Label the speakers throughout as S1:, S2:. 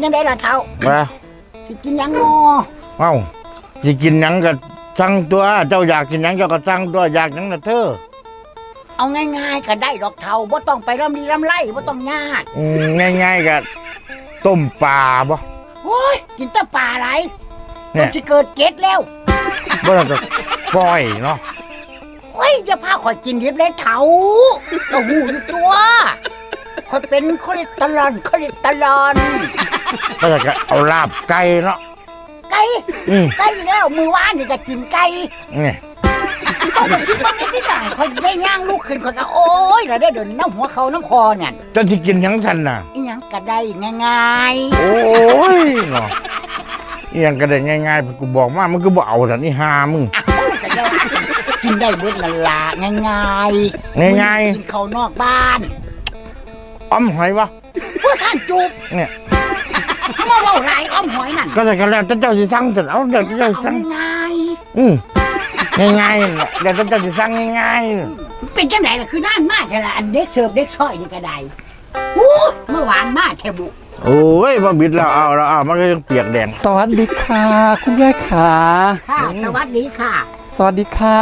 S1: ยังได้ล่ะเท่า
S2: ว่า
S1: สิกินยังงอ
S2: เอ้าสิกินหยังก็สั่งตัวเจ้าอยากกินหยังเจ้าก็สั่งตัวอยากหยังน่ะเธอ
S1: เอาง่ายๆก็ได้ดอกเท่าบ่ต้องไปร่ำรีร่ำไรบ่ต้องยาก
S2: ง่ายๆก็ต้มปลาบ่
S1: โอ้ยกินแต่ปลาอะไรเนี่ยสิเกิดเกล็ดแล้ว
S2: บ่ต้องก็ก้อยเนาะ
S1: โอ้ยจะพาข่อยกินดิบเลยเท่าเราหูอยู่ตัวข่อยเป็นคอเลสเตอรอล
S2: ก็จะเอาลาบไก่เนาะ
S1: ไก่แล้วมือว่านนี่จะกินไก่
S2: นี่
S1: ก็จะคิดว่าไม่ได้ข่อยได้ย่างลูกขึ้นข่อยก็โอ้ยเราได้เดินน้ำหัวเขาน้ำคอเนี่ย
S2: จะสิกินหยังทันน่ะ
S1: อีหยังก็ได้ง่าย
S2: ๆโอ้ยเนาะอีหยังก็ได้ง่ายๆกูบอกมามันก็บ่เอาซั่นอีห่ามึง
S1: กินได้เบิดละละง่ายกินข้าวนอกบ้าน
S2: อ้อมหอยวะ
S1: พวกท่านจูบ
S2: เนี่ย
S1: มาเล่าไรอ้อมหอยนั่น
S2: ก็จะกันแล้วเจ้าสิสั่งเสร็จเอาเดี๋ยวเจ้าสั่ง
S1: ง่าย
S2: ง่ายเดี๋ยวเจ้าสิสั่งง่าย
S1: เป็นจังไหนล่ะคือน่านมากแต่ละอันเด็กเสิร์ฟเด็กซอยนี่ก็ได้เมื่อวานมากแทบุ
S2: โอ้ยพอบิดแล้วเอามันก็ยังเปียกแดง
S3: สวัสดีค่ะคุณยายขา
S1: ค่ะสวัสดีค่ะ
S3: สวัสดีค่ะ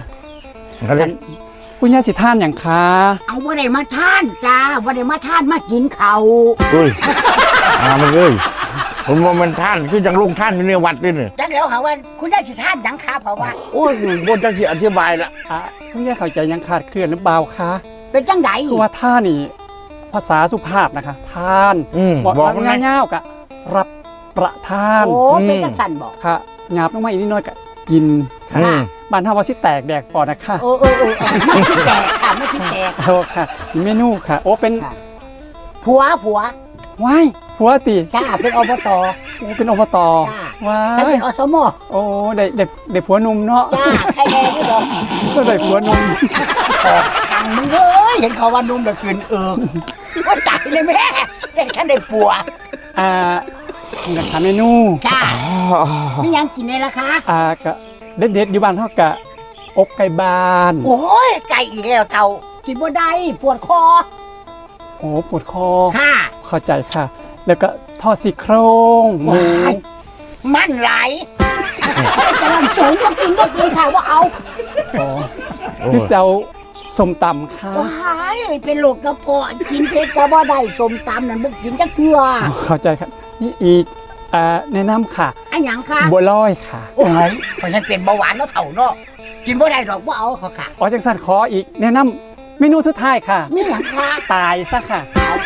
S3: คุณยายสิท่านอย่างคะ
S1: เอาว่าได้มาท่านจ้าว่าได้มาท่านมากินเขา
S2: อุ้ยมันเลยผมว่ามันท่านคือจังลุงท่านอยู่ในวัดด้วยเนี่ย
S1: จังแล้วค่ะว่าคุณยายสิท่านยังคะเพราะว่า
S2: โอ้ยบนจะสิอธิบายละ
S3: คุณยายเข้าใจยังขาดเคลื่อนหรือเปล่าคะ
S1: เป็นจังได
S3: คือว่าท่านนี่ภาษาสุภาพนะคะท่านบอกง่ายๆกะรับประทาน
S1: โอ้เป็นจังสันบอก
S3: ค่ะหยาบลงมาอีกนิดหน่อยกะกินบ้านท่าว่าสิแตกแดกปอดนะคะ
S1: ไม่ใช่แตกค่ะไม่ใช่แตก
S3: โอ้ค่ะเมนูค่ะโอ้เป็น
S1: ผัว
S3: ว้ายผัวตี
S1: จ้าเป็นอบต
S3: โอ้เป็นอบต
S1: ว้ายเป็นอสม
S3: โอ้ได้ผัวนุ่มเนาะ
S1: จ้าใครแดงด้วย
S3: ก็ได้ผัวนุ่ม
S1: ทางมึงเอ้ยเห็นเขาว่านุ่มเดือดคืนว่าใจเลยแม่เด็กท่านได้ผัว
S3: นะคะเมนู
S1: จ้าไม่ยังกินเลยล่ะคะ
S3: ก็เด็ดอยู่บ้านเท่ากับอกไก่บ้าน
S1: โอ้ยไก่อีกแล้วเต่ากินบ่ได้ปวดคอ
S3: โอ้ปวดคอ
S1: ค่ะ
S3: เข้าใจค่ะแล้วก็ทอดซี่โครงหมู
S1: มันไหลจะลำสูงก็กินค่ะว่าเอา
S3: ที่เซลสมตำค่ะ
S1: ว้ายเป็นโรคกระเพาะกินเผ็ดก็บ่ได้สมตำนั่นบุกกินจะเกลือ
S3: เข้าใจครับนี่อีกแนะนำค่ะ
S1: อันยังค่ะ
S3: บัวลอยค่ะ
S1: โอ้ยเพราะฉันเป็นเบาหวานแล้วเถ่าเนาะกินบ่ได้หรอกว่าเอาเขาค่ะ
S3: จังสันขออีกแนะนำเมนูสุดท้ายค่ะ
S1: นี่หยังค่ะ
S3: ตายซะค่ะ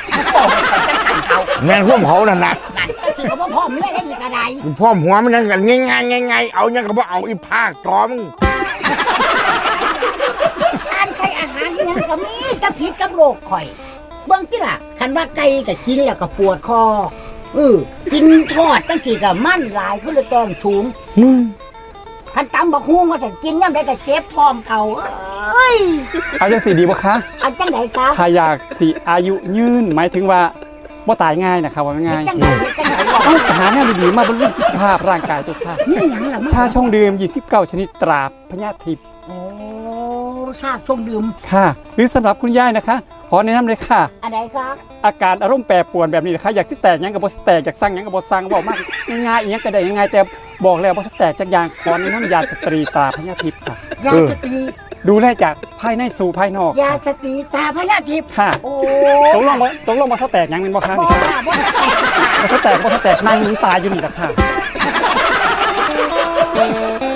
S2: แม่งพวกเขานั่นนะ
S1: นั่นก็สิเขาพ่อไม่ได้มีกระได
S2: พ่อหัวมันนั่นกันง่ายเอาเนี่ยก็บ่เอาอีภาคจอม
S1: การใช้อาหารที่นั่นก็มีกระพิษกับโรคข่อยเบื้องที่ล่ะคันว่าไก่ก็กินแล้วก็ปวดคอกินทอดตั้งสี่กับมั่นหลายก็เลยต้องสูงคันตำบักฮุ้งมาแต่กินย่ำได้ก็เจ็บท้องเก่า
S3: เอาจะสีดีบ่คะ
S1: เอาจังไหนคะ
S3: ถ้าอยากสีอายุยืนหมายถึงว่าบ่ตายง่ายนะครับว่าง่ายต้องหาแนวดีๆมาบำรุงสุขภาพร่างกายตัวค่ะชาช่องดื่ม29ชนิดตราพญาทิพย์
S1: โอ้ชาช่องดื่ม
S3: ค่ะหรือสำหรับคุณยายนะคะขอแนะนำเลยค่ะ
S1: อะไรครับ
S3: อาการอารมณ์แปรปรวนแบบนี้นะคะอยากสิแตกยังกับบอสแตกอยากสั่งยังกับบอสสั่งบอกมากง่ายๆอย่างนี้ก็ได้ง่ายแต่บอกแล้วบอสแตกจากอย่างขอแนะนำยาสตรีตาพญาทิพย์ค่ะ
S1: ยาสตรี
S3: ดูแลจากภายในสู่ภายนอก
S1: ยาสตรีตาพญาทิพย์
S3: ค่ะโอ้ตกลงบอสแตกยังเป็นบอสค่ะบอสแตกนั่งตายอยู่นี่แหละค่ะ